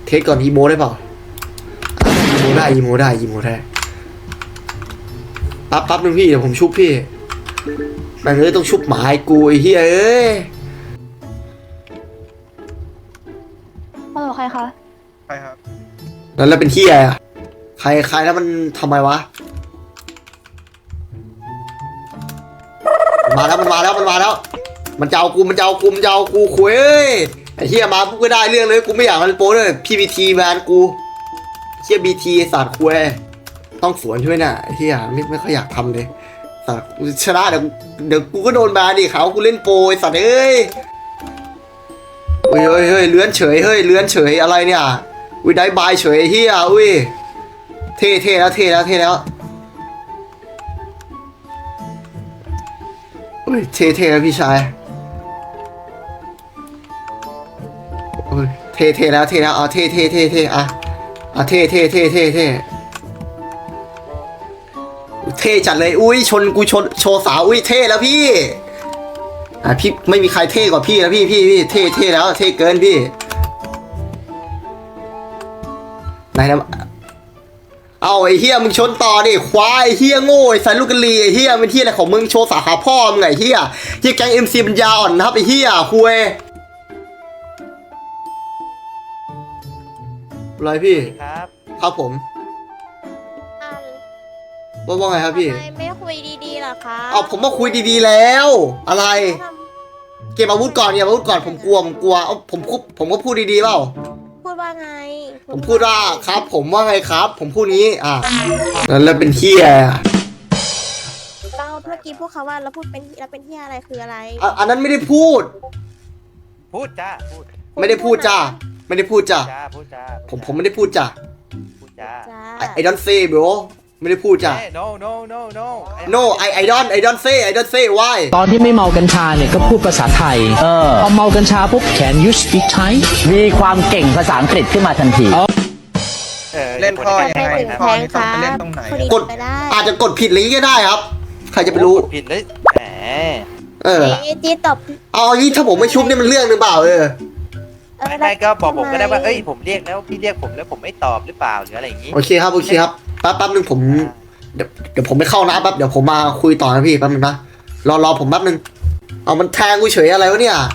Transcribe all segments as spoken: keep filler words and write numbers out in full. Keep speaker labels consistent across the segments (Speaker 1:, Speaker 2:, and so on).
Speaker 1: เทสก่อนอีโมได้เปล่าอีโมได้อีโมได้อีโมได้ปั๊บปั๊บนึงพี่เดี๋ยวผมชุบพี่แม่งเอ้ยต้องชุบหมาไอ้กูไอ้เฮียเอ้ย
Speaker 2: ฮัลโหลใครคะ
Speaker 3: ใครครับ
Speaker 1: แล้วแล้วเป็นเฮียอะใครใครแล้วมันทำไมวะมาแล้วมันมาแล้วมันมาแล้วมันจะเอากูมันจะเอากูมันจะเอากูคุยเอ้ยไอ้เฮียมาปุ๊บก็ได้เรื่องเลยกูไม่อยากมันโป้เลยพี่บีทีแบนกูเฮียบีทีสัตว์คุยต้องสวนช่วยน่ะไอ้เฮียไม่ไม่ค่อยอยากทำเลยสัตว์ชนะเดี๋ยวเดี๋ยวกูก็โดนแบนดิเขากูเล่นโปรไอ้สัตว์เอ้ยเฮ้ยเฮ้ยเฮ้ยเลื้อนเฉยเฮ้ยเลื้อนเฉยอะไรเนี่ยอุ้ยได้บายเฉยไอ้เฮียอุ้ยเท่เท่แล้วเท่แล้วเท่แล้วอุ้ยเท่เท่แล้วพี่ชายอุ้ยเท่เท่แล้วเท่แล้วเอาเท่เท่เท่เท่อะอ่ะเท่เท่เท่เท่เท่เท่จัดเลยอุ้ยชนกูชนโชว์สาวอุ้ยเท่แล้วพี่อ่ะพี่ไม่มีใครเท่กว่าพี่แล้วพี่พี่พี่เท่เท่แล้วเท่เกินพี่ไหนนะเอาไอ้เฮียมึงชนต่อดิควายไอ้เฮียโง่ไอ้สายลูกกะลีไอ้เฮียเป็นเฮียอะไรของมึงโชว์สาขาพ่อมึงไงเฮียเฮียแก๊งเอ็มซีปัญญาอ่อนนะครับไอ้เฮียคุยอะไรพี่
Speaker 4: ครับ
Speaker 1: ครับผมว่าว่าไงครับพี่
Speaker 5: ทำไมไม่คุยดีๆล่ะคะ
Speaker 1: เอาผมมาคุยดีๆแล้วอะไรเก็บอาวุธก่อนเก็บอาวุธก่อนผมกลัวผมกลัวเอาผมผมก็พูดดีๆเปล่า
Speaker 5: พูดว่าไง
Speaker 1: ผมพูดว่าครับ ผมว่าไงครับ ผมพูดนี้อ่ะแล้วเป็นเฮีย
Speaker 5: เราเมื่อกี้พวกเขาว่าเราพูดเป็นเราเป็นที่อะไรคืออะไร
Speaker 1: อ่ะอันนั้นไม่ได้พูด
Speaker 4: พูดจ้าพูด
Speaker 1: ไม่ได้พูดจ้าไม่ได้พูดจ้า
Speaker 4: จ้าพูดจ้า
Speaker 1: ผมผมไม่ได้พูดจ้า
Speaker 4: พูดจ้า
Speaker 5: จ้า
Speaker 1: ไอดอนเซ่บรไม่ได้พูดจ้า
Speaker 4: เอ้ย no no no no
Speaker 1: no I I don't I don't say I don't say why
Speaker 6: ตอนที่ไม่เมากัญชาเนี่ยก็พูดภาษาไทย
Speaker 7: เออ
Speaker 6: พอเมากัญชาปุ๊บ can you speak Thai
Speaker 7: มีความเก่งภาษาอังกฤษขึ้นมาทันที
Speaker 4: ออ
Speaker 3: เล่นข้อยังไง
Speaker 5: ไปถึง
Speaker 3: ข้อ
Speaker 5: แทง
Speaker 3: นี้ต้
Speaker 5: ค
Speaker 3: อง
Speaker 5: รั
Speaker 3: ไปเล่น
Speaker 5: บ
Speaker 3: ตรงไหน
Speaker 5: คุย
Speaker 1: กด
Speaker 5: ไปได้
Speaker 1: อาจจะกดผิดอะไรอย่างงี้ก็ได้ครับ ใครจะไปรู้
Speaker 4: โอ้ผิดเลยแหม
Speaker 1: เออ
Speaker 5: เอ้ยจีตบ
Speaker 1: เอาอย่างนี้ถ้าผมไม่ชุบเนี่ยมันเรื่องหรือเปล่าเออ
Speaker 5: เออ
Speaker 4: ไม่ไม่ก็บอกผมก็ได้ว่า
Speaker 5: ทำ
Speaker 4: เอ้ยผมเรียกแล้วพี่เรียกผมแล้วผมไม่ตอบหรือเปล่าหรืออะไรอย่างงี้
Speaker 1: โอเคครับโอเคครับแป๊บแป๊บนึงผมเดี๋ยวเดี๋ยวผมไปเข้าน้ำแป๊บเดี๋ยวผมมาคุยต่อนะพี่แป๊บนึงนะรอรอผมแป๊บนึงเอามันแทงกูเฉยอะไรวะเนี่ย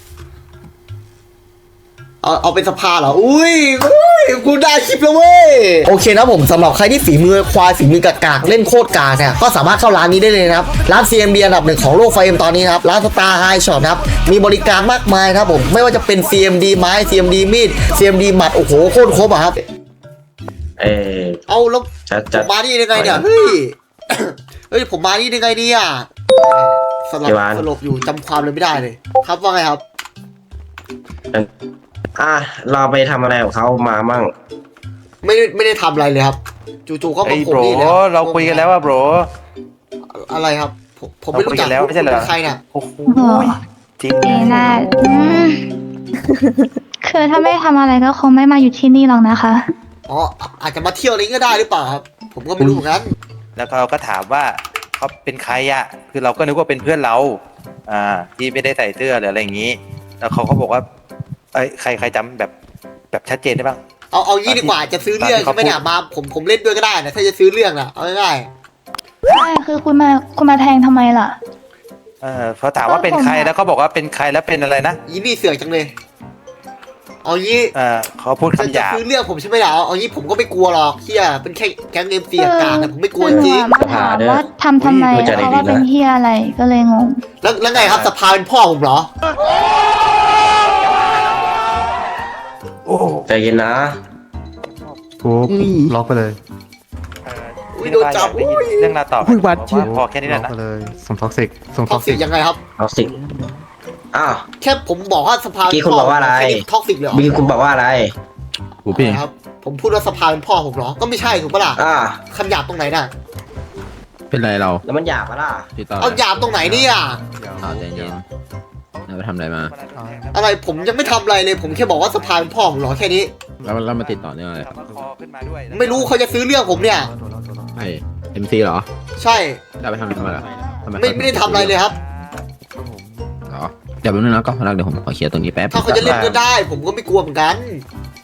Speaker 1: เอาเอาเป็นสภาเหรออุ้ยอุ้ยกูได้คลิปแล้วเว้ยโอเคนะผมสำหรับใครที่ฝีมือควายฝีมือกากากเล่นโคตรกากเนี่ยก็สามารถเข้าร้านนี้ได้เลยนะครับร้าน ซี เอ็ม บี อันดับหนึ่งของโลกไฟเอ็มตอนนี้นะครับร้านสตาร์ไฮช็อปนะครับมีบริการมากมายครับผมไม่ว่าจะเป็น ซี เอ็ม ดี ไม้ ซี เอ็ม ดี มีด ซี เอ็ม ดี หมัดโอ้โหโคตรครบอะครับ
Speaker 7: เออ
Speaker 1: เอาแล้ว
Speaker 7: จัด
Speaker 1: ผ
Speaker 7: จัด
Speaker 1: มมานี่ได้ไงเนี่ยเฮ้ย เฮ้ยผมมานี่ได้ไงเนี่ยสลบ
Speaker 7: กี่วัน
Speaker 1: สลบอยู่จำความเลยไม่ได้เลย ครับว่าไงครับ
Speaker 7: อ่ะเราไปทำอะไรของเขามามั่ง
Speaker 1: ไม่ได้ไม่ได้ทำอะไรเลยครับ จู่ๆก็
Speaker 4: เฮ้
Speaker 1: มาย ผ
Speaker 4: โบ
Speaker 1: ม
Speaker 4: ร
Speaker 1: นี่เลย
Speaker 4: เราคุยกันแล้วว่าโบร
Speaker 1: อะไรครับ ผมผมไม่รู้จัก
Speaker 4: เราคุยกันแล้วไม่ใช่เหรอ
Speaker 1: คุณเป็นใครเนี่ย
Speaker 4: โอ้โห
Speaker 2: โอ้
Speaker 4: จริง
Speaker 2: ดีน่าอืมคือถ้าไม่ทำอะไรก็คงไม่มาอยู่ที่นี่หรอกนะคะ
Speaker 1: อ๋ออาจจะมาเที่ยวนี้ก็ได้หรือเปล่าครับ ผมก็ไม่รู้เหมือนกัน
Speaker 4: แล้วเขาก็ถามว่าเขาเป็นใครอ่ะคือเราก็นึกว่าเป็นเพื่อนเราอ่าที่ไม่ได้ใส่เสื้อหรืออะไรอย่างงี้ แล้วเขาก็บอกว่าเอ้ยใครใครจำแบบแบบชัดเจนได้บ้าง
Speaker 1: เอาเอางี้ดีกว่าจะซื้อเรื่องใช่ไหมเนี่ยมาผมผมเล่นด้วยก็ได้นะถ้าจะซื้อเรื่องนะเอาง่าย
Speaker 2: ใช่คือคุณมาคุณมาแทงทำไมล่ะ
Speaker 4: เออเขาถามว่าเป็นใครแล้วเขาบอกว่าเป็นใครแล้วเป็นอะไรนะ
Speaker 1: ๆยี่นี่เสือกจังเลย เอางี้
Speaker 4: เออเขาพูด
Speaker 1: จะ
Speaker 4: คำหยาบ
Speaker 1: ซื้อเรื่องผมใช่ไหมล่ะเอาเอางี้ผมก็ไม่กลัวหรอกเฮียเป็นแค่แก๊งเอ็มซีอากาศนะผมไม่กลัวจ
Speaker 2: คือหนู
Speaker 1: ริง
Speaker 2: อะมาถามว่าทำทำไม
Speaker 7: อุ้ยดูใจ
Speaker 2: เพ
Speaker 7: ดี
Speaker 2: ราะว่า
Speaker 7: นะ
Speaker 2: เป็นเฮียอะไรก็เลยงง
Speaker 1: แล้วแล้วไงครับสภาเป็นพ่อผมเหรอ
Speaker 4: โอ้โห
Speaker 7: ใจเย็นนะ
Speaker 8: ปุ๊บล็อกไปเลย
Speaker 4: เออ
Speaker 1: อุ้ยโดนจับ
Speaker 4: ได้ยิน
Speaker 1: อุ้ย
Speaker 4: เรื่องราวต่อ
Speaker 8: อุ้ยวัดเชี่ย
Speaker 4: พอแค่นี้แห
Speaker 8: ล็
Speaker 4: ละ
Speaker 8: อก
Speaker 4: นะ
Speaker 8: ไปเลยส่งท็อกซิกส่ง
Speaker 1: ท็
Speaker 8: ท็
Speaker 1: อ
Speaker 8: อก ก
Speaker 1: ซิ
Speaker 8: ซิ
Speaker 1: ก
Speaker 8: ก
Speaker 1: ยังไงครับ
Speaker 7: เอาสิอ้าว
Speaker 1: แค่ผมบอกว่าสภา
Speaker 7: เมื่อกี้คุณบอกว่าอะไร
Speaker 1: แค่นี้ท็อกซิกเลยเหรอ
Speaker 7: บีคุณบอกว่าอะไร
Speaker 8: หูพี่
Speaker 1: ครับ ผมพูดว่าสภาเป็นพ่อผมเหรอ ก็ไม่ใช่ถูกปะล่ะ
Speaker 7: อ่า
Speaker 1: คำหยาบตรงไหนน่ะ
Speaker 8: เป็นไรเรา
Speaker 7: แล้วมันหยาบปะล่ะ
Speaker 8: พี่ต่อ
Speaker 1: เอาหยาบตรงไหนเนี่ย
Speaker 8: ต่อใจเย็นเราไปทำอะไรมา
Speaker 1: อะไรผมยังไม่ทำอะไรเลย ผมแค่บอกว่าสภาเป็นพ่อผมเหรอแค่นี้
Speaker 8: แล้วเรามาติดต่อเนื่องอะไร
Speaker 4: คำว่าคอขึ้นมาด้วย
Speaker 1: ไม่รู้เขาจะซื้อเรื่องผมเนี่ย
Speaker 8: ไอเอ็มซีเหรอ
Speaker 1: ใช่
Speaker 8: เราไปทำอะไรมาล่ะทำไม
Speaker 1: ไม่ไม่ได้ทำอะไรเลยครับ
Speaker 8: เหรอเดี๋ยวแป๊บนึงนะก็พนักเดี๋ยวผมขอเคลียร์ตรงนี้แป๊บ
Speaker 1: ถ้าเขาจะเล่นก็ได้ ผมก็ไม่กลัวเหมือนกัน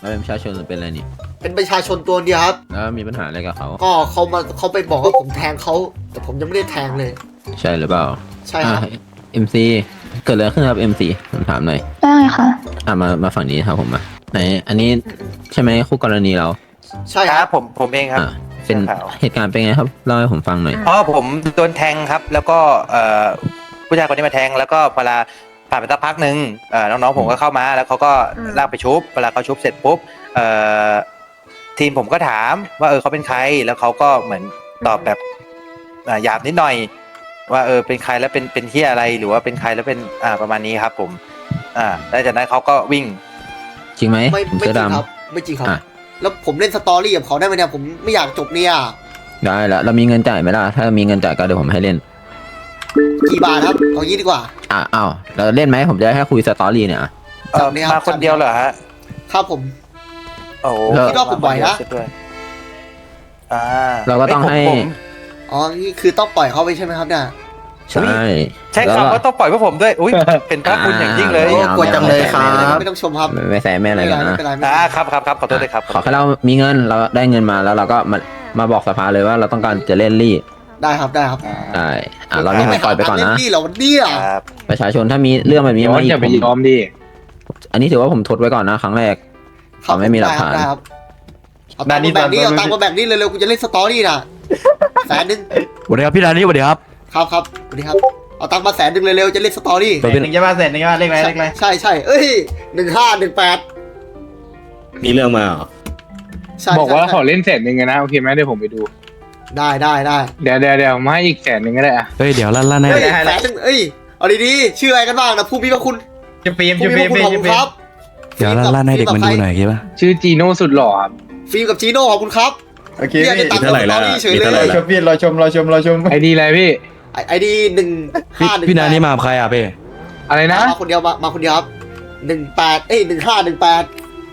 Speaker 8: เราเป็นประชาชนหรือเป็นอะไรนี่
Speaker 1: เป็นประชาชนตัวเดียวครับ
Speaker 8: แล้วมีปัญหาอะไรกับเขา
Speaker 1: ก็เขามาเขาไปบอกว่าผมแทงเขาแต่ผมยังไม่ได้แทงเลย
Speaker 8: ใช่หรือเปล่า
Speaker 1: ใช่ครับ
Speaker 8: เอ็มซีเกิดอะไรขึ้นครับเอ็มซีผมถามหน่อย
Speaker 2: ได้ไงคะ
Speaker 8: อ่ะมามาฝั่งนี้ครับผมมาไหนอันนี้ใช่ไหมคู่กรณีเรา
Speaker 1: ใช่
Speaker 4: ค
Speaker 1: ค
Speaker 4: รั
Speaker 1: รั
Speaker 4: บบ ผมผมเองครับ
Speaker 8: อ่ะเป็น
Speaker 4: สื้อขาว
Speaker 8: เหตุการณ์เป็นไงครับเล่าให้ผมฟังหน่อย
Speaker 4: อ๋อผมโดนแทงครับ แล้วก็เอ่อผู้ชายคนนี้มาแทงแล้วก็เวลาผ่านไปสักพักหนึ่งเอ่อน้องๆผมก็เข้ามาแล้วเขาก็ลากไปชุบเวลาเขาชุบเสร็จปุ๊บเอ่อทีมผมก็ถามว่าเออเขาเป็นใครแล้วเขาก็เหมือนตอบแบบอ่าหยาบนิดหน่อย ว่าเออเป็นใครแล้วเป็นเป็นเฮียอะไรหรือว่าเป็นใครแล้วเป็นอ่าประมาณนี้ครับผมอ่าแล้วจากนั้นเขาก็วิ่ง
Speaker 8: จริงไหม
Speaker 1: ไม่
Speaker 8: ผม
Speaker 1: ไม่
Speaker 8: เสื้อ
Speaker 1: จริง
Speaker 8: ดำ
Speaker 1: ครับไม่จริงครับ
Speaker 8: อ่ะ
Speaker 1: แล้วผมเล่นสตอรี่กับเขาได้ไหมเนี่ยผมไม่อยากจบเนี่ย
Speaker 8: ได้แล้วเรามีเงินจ่ายไหมล่ะถ้ามีเงินจ่ายก็เดี๋ยวผมให้เล่น
Speaker 1: กี่บาทครับเอางี้ดีกว่า
Speaker 8: อ่ะอ้าวเราเล่นไหมผมจะให้คุยสตอรี่เนี่ยอ่ะ
Speaker 4: เอ่อ
Speaker 1: จับเลยครับ
Speaker 4: มาคนเดียวเหรอฮะ
Speaker 1: ครับผม
Speaker 4: โอ้โห
Speaker 8: แล้ว
Speaker 1: คิดว่าผมไหวนะ
Speaker 4: าคเดียด้วยอ่า
Speaker 8: เราก็ต้อง
Speaker 4: เยผม
Speaker 8: ให้
Speaker 4: ผม
Speaker 1: อ๋อนี่คือต้องปล่อยเขาไปใช่ไหมครับเนี่ย
Speaker 8: ใช่
Speaker 4: ใช่
Speaker 8: แล้ว
Speaker 4: ครับ
Speaker 8: ก็
Speaker 4: ก็ต้องปล่อยพวกผมด้วยอุ้ยเป็นพระคุณอย่างยิ่งเลย
Speaker 8: โอ้
Speaker 1: กดจังเลยครับไม่ต้องชมครับ
Speaker 8: ไม่ไม่แซะไม่อะไร
Speaker 1: ไม่
Speaker 8: กัน
Speaker 1: เป็นไร
Speaker 8: นะ
Speaker 1: ไม่เป็นไรไม่เป็น
Speaker 4: อ่า
Speaker 1: ไร
Speaker 4: ครับครับครับขอโทษด้วยครับ
Speaker 8: ขอแค่เรามีเงินเราได้เงินมาแล้วเราก็มามาบอกสภาเลยว่าเราต้องการจะเล่นรี่
Speaker 1: ได้ครับได้ครับ
Speaker 8: ได้อ่ะเรานี่ผมปล่อยไปก่อนนะ
Speaker 1: เล่นี่เหรอวันเนี้ย
Speaker 4: ครับ
Speaker 8: ประชาชนถ้ามีเรื่องแบบนี้
Speaker 3: ย้อ
Speaker 8: มาน อีก
Speaker 3: อย่าไป
Speaker 8: ผม
Speaker 3: ยอมดิ
Speaker 8: อันนี้ถือว่าผมทดไว้ก่อนนะครั้งแรก
Speaker 1: ครับ
Speaker 8: ไม่มีหลักฐาน
Speaker 1: ได้ครับเอาตังค์มาแบ่งนี้เอาตังค์มาแบ่งนี้เร็วๆกูจะเล่นสตอรี่น่ะแสนหนึง
Speaker 9: สวัสดีครับพี่ดานี่สวัสดีครับ
Speaker 1: ครับครับสวัสดีครับเอาตังค์มาแสนหนึงเร็วๆจะเล่นสตอรี่
Speaker 9: ตัวเป็น
Speaker 7: หนึ่งจะมาเสร็จหนึ่งจะมาเลขอะไรเลขอะไร
Speaker 1: ใช่ใช่เอ้ยหนึ่งห้าหนึ่งแปด
Speaker 8: มีเรื่องมาเหรอ
Speaker 1: ใช่
Speaker 3: บอกว่า
Speaker 1: ใช่
Speaker 3: ขอเล่นแสนหนึ่งนะโอเคไหมเดี๋ยวผมไปดู
Speaker 1: ได้ได้ได้
Speaker 3: เดี๋ยวเดี๋ยวเดี๋ยวมาให้อีกแสนหนึ่งก็ได้อะ
Speaker 9: เฮ้ยเดี๋ยวลั่นลั่น
Speaker 1: เฮ้ย
Speaker 9: ให้
Speaker 1: แสนหนึ่งเอ้ยเอาดีๆชื่ออะไรกันบ้างนะผู้มีพระคุณ
Speaker 7: จะปีม
Speaker 1: ผู้
Speaker 7: จะ
Speaker 1: มี
Speaker 7: ปี
Speaker 1: พ
Speaker 7: ม
Speaker 1: ระคุณขอบคุณครับ
Speaker 9: เดี๋ยวลั่นลั่นให้เด็กมันดูหน่อยโอเคปะ
Speaker 3: ชื่อจีโน่สุดหล่อครับ
Speaker 1: ฟิล์มกับจีโน่ขอบคุณครับ
Speaker 7: โอเค
Speaker 1: เรียกได้ตังค์สตอรี่เฉยเล
Speaker 7: รอย ชมพี่รอชมรอชมรอชม
Speaker 3: ไอดีอะไรพี่
Speaker 1: ไอดีหนึ่ง
Speaker 9: พี่
Speaker 1: ห้าหนึ่ง
Speaker 9: พี่ดานี่มากับใครอ่ะเป้
Speaker 3: อะไรนะ
Speaker 1: มาคนเดียวมามาคนเดียวครับหนึ่งแปดเอ้ยหนึ่งห้าหนึ่งแปด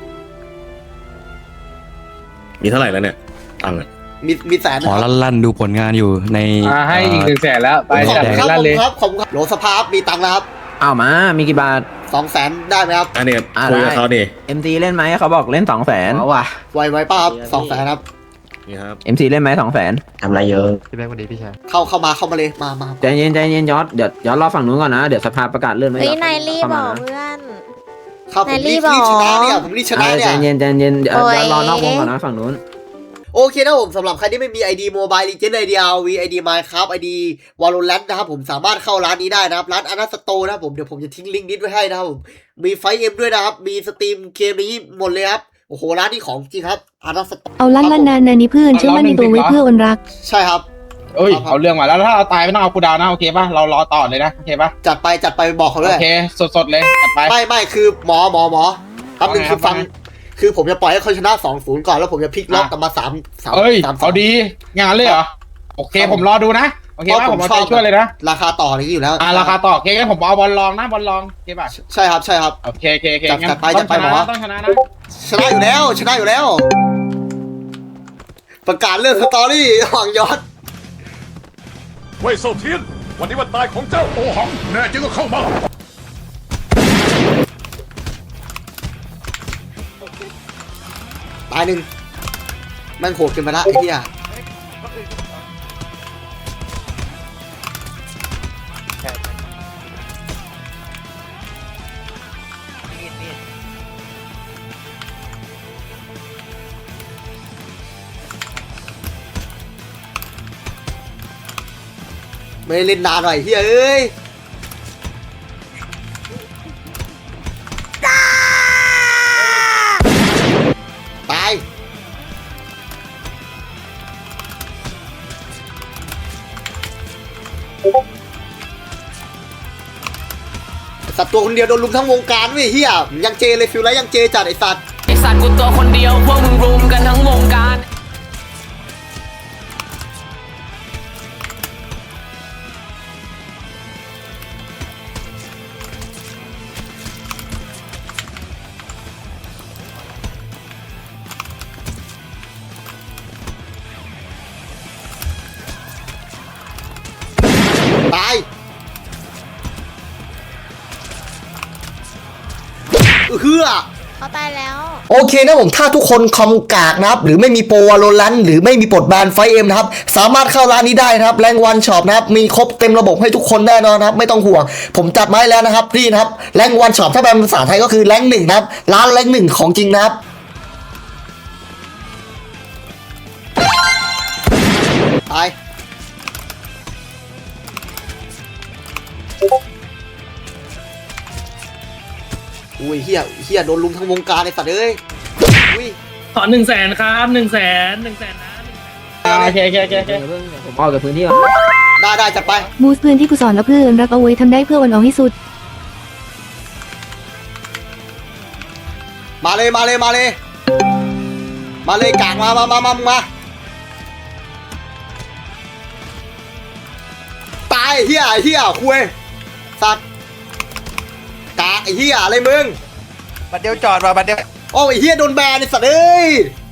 Speaker 8: มีเท่าไหร่แล้วเนี่ยตังค์
Speaker 1: มีมีแสน
Speaker 9: ขอลั่นลั่นดูผลงานอยู่ใน
Speaker 3: อ่าให้อีกหนึ่งแสนแล้วไป
Speaker 1: ขอบ
Speaker 3: จัด
Speaker 1: คุณครับ
Speaker 3: ให้ลั่นเลย
Speaker 1: ขอบคุณครับขอบคุณครับโหลสภาพมีตังค์แล้วครับ
Speaker 8: อ้าวมามีกี่บาท
Speaker 1: สองแสนได้ไหมครับ
Speaker 8: อันนี้คุยกับเขาดิเอ็มซีเล่นไหมเขาบอกเล่นสองแสน
Speaker 7: เอาว่ะ
Speaker 1: ไวไวป้าครับสองแสนครับ
Speaker 8: นี่ครับเอ็มซีเล่นไหมสองแสน
Speaker 7: ทำอะไรเยอะ
Speaker 9: พี่แบงค์วันดีพี่ชาย
Speaker 1: เข้าเข้ามาเข้ามาเลยมามา
Speaker 8: ใจเย็นใจเย็นยอดเดี๋ยวยอดรอฝั่งนู้นก่อนนะเดี๋ยวสภาประกาศเลื่อนไว้
Speaker 5: เฮ้ย
Speaker 8: ก่อน
Speaker 5: นายรีบ
Speaker 8: เข้า
Speaker 5: บ
Speaker 8: มา
Speaker 5: อก
Speaker 8: นะ
Speaker 5: เพื่อน
Speaker 1: ครับผมรีบ
Speaker 5: นายรี
Speaker 1: รี
Speaker 5: บบ
Speaker 1: ช
Speaker 5: เหรอ
Speaker 1: นะเนี่ยผมรีบช
Speaker 8: เอ
Speaker 1: นะ
Speaker 8: อ
Speaker 1: เนี่
Speaker 8: ใจ
Speaker 1: ย
Speaker 8: เย็นใจเย็นเดี๋ยว
Speaker 5: โอ้ย
Speaker 8: เดี๋ยวรอนอกวงก่อนนะฝั่งนู้น
Speaker 1: โอเคนะผมสำหรับใครที่ไม่มี ไอ ดี Mobile Legends ไอ ดี อาร์ วี ไอ ดี Minecraft ไอ ดี Valorant นะครับผมสามารถเข้าร้านนี้ได้นะครับร้านอนาสโตนะครับผมเดี๋ยวผมจะทิ้งลิงก์นี้ไว้ให้นะครับผมมีไฟเอ็มด้วยนะครับมีสตรีมเกมนี้หมดเลยครับโอ้โหร้านนี้ของจริงครับอนาสโต
Speaker 10: เอาลั่นลั่นนานนานี้เพื่อนเชื่อมั่นในตัวไว้เพื่ออนรัก
Speaker 1: ใช่ครับ
Speaker 3: เอ้ยเอาเรื่องมาแล้วถ้าเราตายไม่ต้องเอากูดาวนะโอเคป่ะเรารอต่อเลยนะโอเคป่ะ
Speaker 1: จัดไปจัดไปบอกเขาด้
Speaker 3: โอ
Speaker 1: วย
Speaker 3: เคสดๆเลยจัดไป
Speaker 1: ไม่ไม่คือหมอหมอหมอครับหนึ่ง
Speaker 3: ว่าไง
Speaker 1: คือฟัง
Speaker 3: ว่าไง
Speaker 1: คือผมจะปล่อยให้เขาชนะสองศูนย์ก่อนแล้วผมจะพลิกล็อกกลับมาสามสาม
Speaker 3: เอ้ย
Speaker 1: สามส
Speaker 3: เอา
Speaker 1: อง
Speaker 3: ดีงานเลยเหรอโอเคผมรอดูนะโอเคป่ะผมเอาใจช่วยเลยนะ
Speaker 1: ราคาต่ออะไรอย่างนี้อยู่แล้ว
Speaker 3: อ่าราคาต่อโอเคงั้นผมเอาบอลลองนะบอลลองโอเคป่ะ
Speaker 1: ใช่ครับใช่ครับ
Speaker 3: โอเคโอเคโอเค
Speaker 1: จัด
Speaker 3: งั้น
Speaker 1: จัดไป
Speaker 3: ต้
Speaker 1: จั
Speaker 3: อ
Speaker 1: ด
Speaker 3: ง
Speaker 1: ไป
Speaker 3: ชนะ
Speaker 1: หมอ
Speaker 3: นะต้องชนะนะ
Speaker 1: ชนะอยู่แล้วชนะอยู่แล้ว ประกาศเรื่องสตอรี่หวังยอด
Speaker 11: เว่ยโซเทียน วันนี้วันตายของเจ้าโอหัง แน่จริงก็เข้ามา
Speaker 1: ตายหนึ่งแม่งโหดเกินไปละไอ้เหี้ยไม่ได้เล่นนานหน่อยเฮ้ยเอ้ยตายสัตว์ตัวคนเดียวโดนลุมทั้งวงการเว้ยเฮียยังเจเลยฟิลไลท์ยังเจจัดไอสัตว์
Speaker 6: ไอสัตว์กูตัวคนเดียวพวกมึงรุมกันทั้งวงการ
Speaker 1: ตายเฮือ
Speaker 5: เขาตายแล้ว
Speaker 1: โอเคนะผมถ้าทุกคนคอมกากนะครับหรือไม่มีโปรวาโลรันหรือไม่มีปลดแบนไฟเอ็มนะครับสามารถเข้าร้านนี้ได้นะครับแรงวันช็อปนะครับมีครบเต็มระบบให้ทุกคนแน่นอนนะครับไม่ต้องห่วงผมจัดมาให้แล้วนะครับนี่นะครับแรงวันช็อปถ้าแปลเป็นภาษาไทยก็คือแรงหนึ่งนะครับร้านแรงหนึ่งของจริงนะครับตายอุ้ยเฮียเฮียโดนลุมทั้งวงการไอ้สัตว์เอ้ยอุ้ย
Speaker 6: ขอหนึ่งแสนครับหนึ่งแสนหนึ่งแสนนะ
Speaker 3: โอเคโอเคโอเคโอเค
Speaker 8: ผมออกจากพื้นที่ก่อน
Speaker 1: ได้ได้จัดไป
Speaker 10: บูสต์เพื่อนที่กูสอนแล้วเพื่อนรักเอาไว้ทำได้เพื่อวันเอาให้สุด
Speaker 1: มาเลยมาเลยมาเลย มาเลยกางมามามามามา ตายไอ้เฮียไอ้เฮียคุยสัตว์กากไอ้เฮียอะไรมึง
Speaker 4: บัดเดียวจอดมาบัดเดียว
Speaker 1: โอ้ไอ้เฮียโดนแบนไอ้สัตว์เอ้ย